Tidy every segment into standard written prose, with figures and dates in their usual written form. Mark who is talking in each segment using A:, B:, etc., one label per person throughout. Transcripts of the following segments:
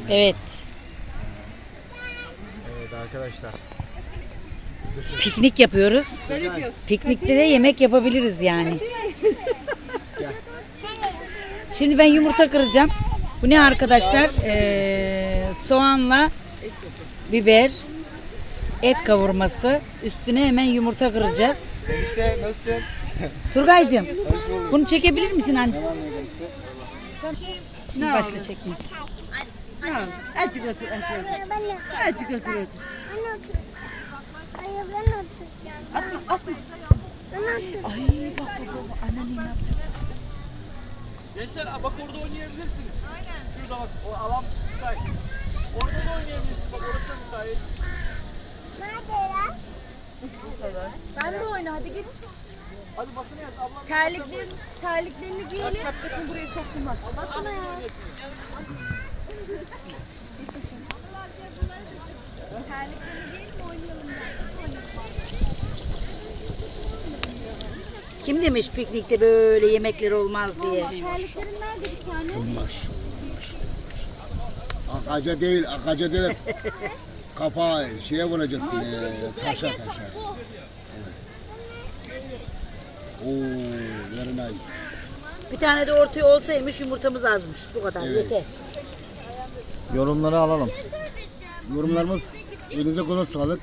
A: Evet.
B: Evet arkadaşlar.
A: Piknik yapıyoruz. Piknikte de yemek yapabiliriz yani. Şimdi ben yumurta kıracağım. Bu ne arkadaşlar? Soğanla biber, et kavurması. Üstüne hemen yumurta kıracağız.
B: Enişte nasılsın?
A: Turgaycığım, bunu çekebilir misin anneciğim? Şimdi başla çekme.
C: Azıcık otur, azıcık otur.
D: Hayır ben oturacağım.
C: Atma.
A: Ay bak anneanne ne yapacak?
E: Gençler bak orada oynayabilirsiniz. Aynen. Şurada bak o alan müsait. Orada da oynayabilirsiniz. Bak orası da müsait.
D: Nerede ya?
C: Ben de oyna, hadi git.
E: Hadi bakın ya ablam.
C: Terliklerini giyelim. Şapkasını buraya soktum bak.
D: Bakma ya.
A: Kim demiş piknikte böyle yemekler olmaz diye?
D: Terliklerin nerede bir tane?
B: Akaca değil. Kapağı şeye vuracaksın. Taşa. Evet. Oo, very nice.
A: Bir tane de ortaya olsaymış yumurtamız azmış. Bu kadar yeter.
B: Yorumları alalım. Yorumlarımız elinize kolay sağlık.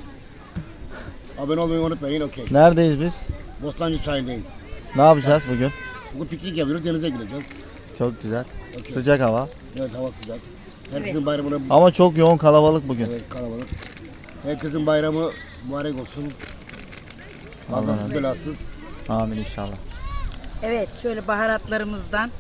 B: Abone olmayı unutmayın. Okey.
F: Neredeyiz biz?
B: Bostancı sahildeyiz.
F: Ne yapacağız bugün?
B: Bugün piknik yapıyoruz. Denize gireceğiz.
F: Çok güzel.
B: Okey.
F: Sıcak hava.
B: Evet, hava sıcak. Herkesin bayramına
F: Ama çok yoğun kalabalık bugün.
B: evet, kalabalık. Herkesin bayramı mübarek olsun. Kazasız belasız.
F: Amin inşallah.
A: Evet şöyle baharatlarımızdan.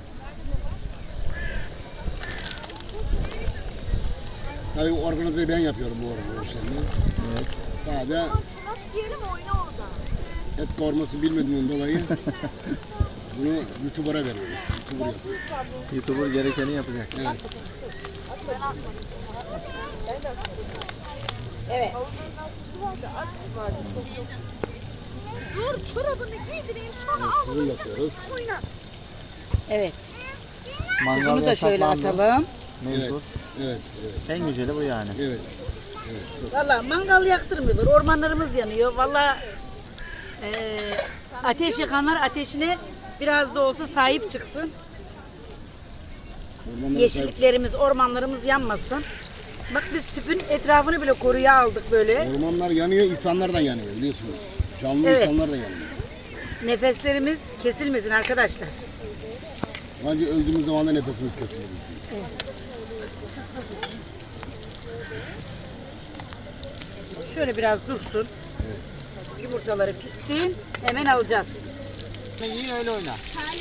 B: Tabii organizeyi ben yapıyorum bu arada işlerini. Evet. Sadece
C: Giyelim oyna orada.
B: et kavurması bilmediğimden dolayı bunu YouTuber'a veriyoruz. YouTuber yapıyor.
F: YouTuber gerekeni yapacak.
B: Evet.
A: Evet.
C: Dur çorabını giydireyim sonra al.
B: Bunu yapıyoruz.
A: Evet.
F: Mangal
A: Bunu da şöyle
F: yasaklandı.
A: atalım.
F: Mecbur.
B: Evet.
F: En güzeli bu yani.
B: Evet.
A: Valla mangal yaktırmıyorlar. Ormanlarımız yanıyor. Valla ateş yakanlar ateşine biraz da olsa sahip çıksın. Yeşilliklerimiz, ormanlarımız yanmasın. Bak biz tüpün etrafını bile koruya aldık böyle.
B: Ormanlar yanıyor, insanlar da yanıyor biliyorsunuz. Canlı
A: Evet.
B: insanlar da yanıyor.
A: Nefeslerimiz kesilmesin arkadaşlar.
B: Bence öldüğümüz zaman da nefesimiz kesilir.
A: Şöyle biraz dursun. Yumurtaları pişsin. Hemen alacağız.
E: Yine öyle oyna.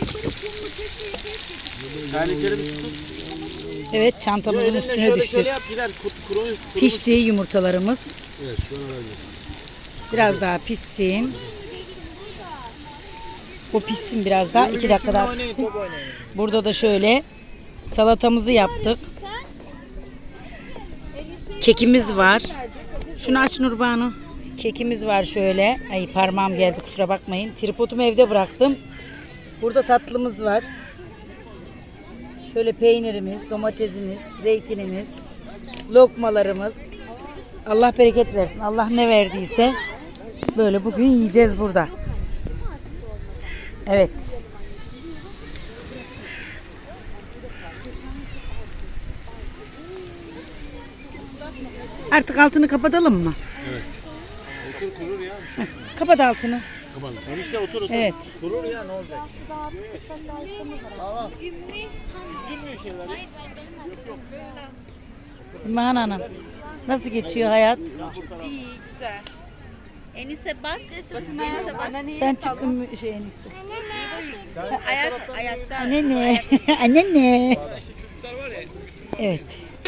E: Terlikleri bir tutun.
A: Evet çantamızın üstüne
E: Şöyle
A: düştük.
E: yap gider. Kurumuş.
A: Pişti yumurtalarımız.
B: Evet, şu an öyle.
A: Biraz daha pişsin. O pişsin biraz daha. 2 dakika daha pişsin. Burada da şöyle salatamızı yaptık. Kekimiz var. Şunu aç Nurbanu. Kekimiz var şöyle. Ay parmağım geldi kusura bakmayın. Tripodumu evde bıraktım. Burada tatlımız var. Şöyle peynirimiz, domatesimiz, zeytinimiz, lokmalarımız. Allah bereket versin. Allah ne verdiyse böyle bugün yiyeceğiz burada. Evet. Artık altını kapatalım mı? Evet.
E: Otur kurur ya.
A: Kapat altını.
B: Kapalı.
E: Enişte otur.
A: Evet.
E: Kurur ya ne olacak?
A: İmhan Hanım. Nasıl geçiyor hayat?
C: İyi, güzel. Enise bak. Enise bak.
A: Sen çıkın şey en iyisi.
C: Ayakta.
A: Anne ne? Anne ne? Evet.